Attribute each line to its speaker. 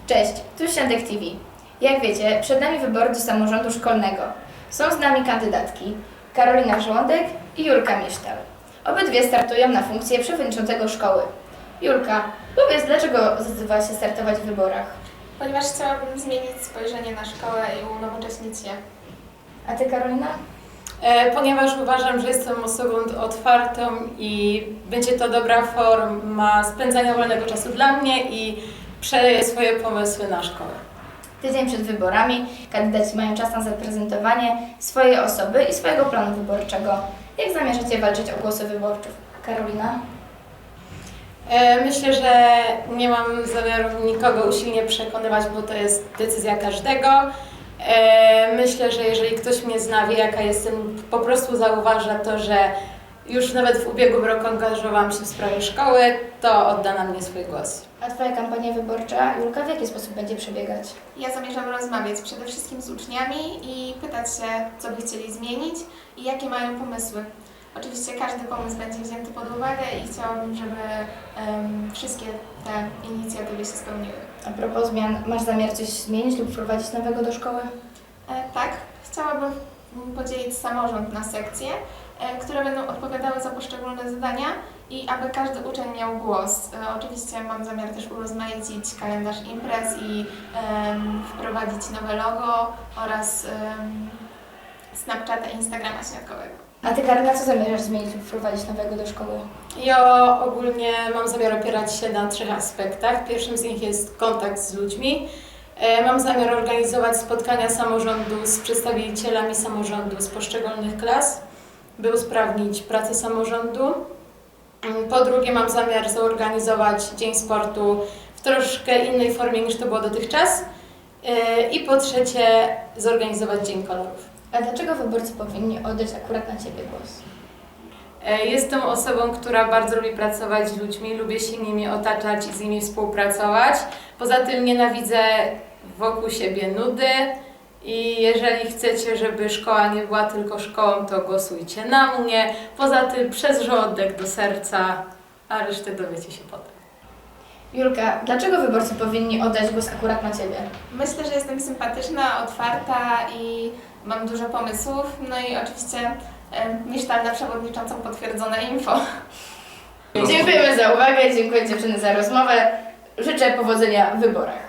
Speaker 1: Cześć, tu Świątek TV. Jak wiecie, przed nami wybory do samorządu szkolnego. Są z nami kandydatki Karolina Żołądek i Julka Misztal. Obydwie startują na funkcję przewodniczącego szkoły. Julka, powiedz, dlaczego zdecydowałaś się startować w wyborach?
Speaker 2: Ponieważ chciałabym zmienić spojrzenie na szkołę i unowocześnić je.
Speaker 1: A Ty, Karolina?
Speaker 3: Ponieważ uważam, że jestem osobą otwartą i będzie to dobra forma spędzania wolnego czasu dla mnie i przeleję swoje pomysły na szkołę.
Speaker 1: Tydzień przed wyborami kandydaci mają czas na zaprezentowanie swojej osoby i swojego planu wyborczego. Jak zamierzacie walczyć o głosy wyborców? Karolina?
Speaker 3: Myślę, że nie mam zamiaru nikogo usilnie przekonywać, bo to jest decyzja każdego. Myślę, że jeżeli ktoś mnie zna, wie jaka jestem, po prostu zauważa to, że już nawet w ubiegłym roku angażowałam się w sprawie szkoły, to odda na mnie swój głos.
Speaker 1: A Twoja kampania wyborcza, Julka, w jaki sposób będzie przebiegać?
Speaker 2: Ja zamierzam rozmawiać przede wszystkim z uczniami i pytać się, co by chcieli zmienić i jakie mają pomysły. Oczywiście każdy pomysł będzie wzięty pod uwagę i chciałabym, żeby wszystkie te inicjatywy się spełniły.
Speaker 1: A propos zmian, masz zamiar coś zmienić lub wprowadzić nowego do szkoły?
Speaker 2: Tak, chciałabym podzielić samorząd na sekcje, które będą odpowiadały za poszczególne zadania i aby każdy uczeń miał głos. Oczywiście mam zamiar też urozmaicić kalendarz imprez i wprowadzić nowe logo oraz Snapchata i Instagrama śniadkowego.
Speaker 1: A Ty, Karolina, co zamierzasz zmienić lub wprowadzić nowego do szkoły?
Speaker 3: Ja ogólnie mam zamiar opierać się na 3 aspektach. Pierwszym z nich jest kontakt z ludźmi. Mam zamiar organizować spotkania samorządu z przedstawicielami samorządu z poszczególnych klas, by usprawnić pracę samorządu. Po drugie, mam zamiar zorganizować Dzień Sportu w troszkę innej formie niż to było dotychczas. I po trzecie, zorganizować Dzień Kolorów.
Speaker 1: A dlaczego wyborcy powinni oddać akurat na Ciebie głos?
Speaker 3: Jestem osobą, która bardzo lubi pracować z ludźmi, lubię się nimi otaczać i z nimi współpracować. Poza tym nienawidzę wokół siebie nudy i jeżeli chcecie, żeby szkoła nie była tylko szkołą, to głosujcie na mnie. Poza tym przez żołądek do serca, a resztę dowiecie się potem.
Speaker 1: Julka, dlaczego wyborcy powinni oddać głos akurat na Ciebie?
Speaker 2: Myślę, że jestem sympatyczna, otwarta i mam dużo pomysłów. No i oczywiście Misztal na przewodniczącą potwierdzone info.
Speaker 1: Dziękujemy za uwagę, dziękuję dziewczyny za rozmowę. Życzę powodzenia w wyborach.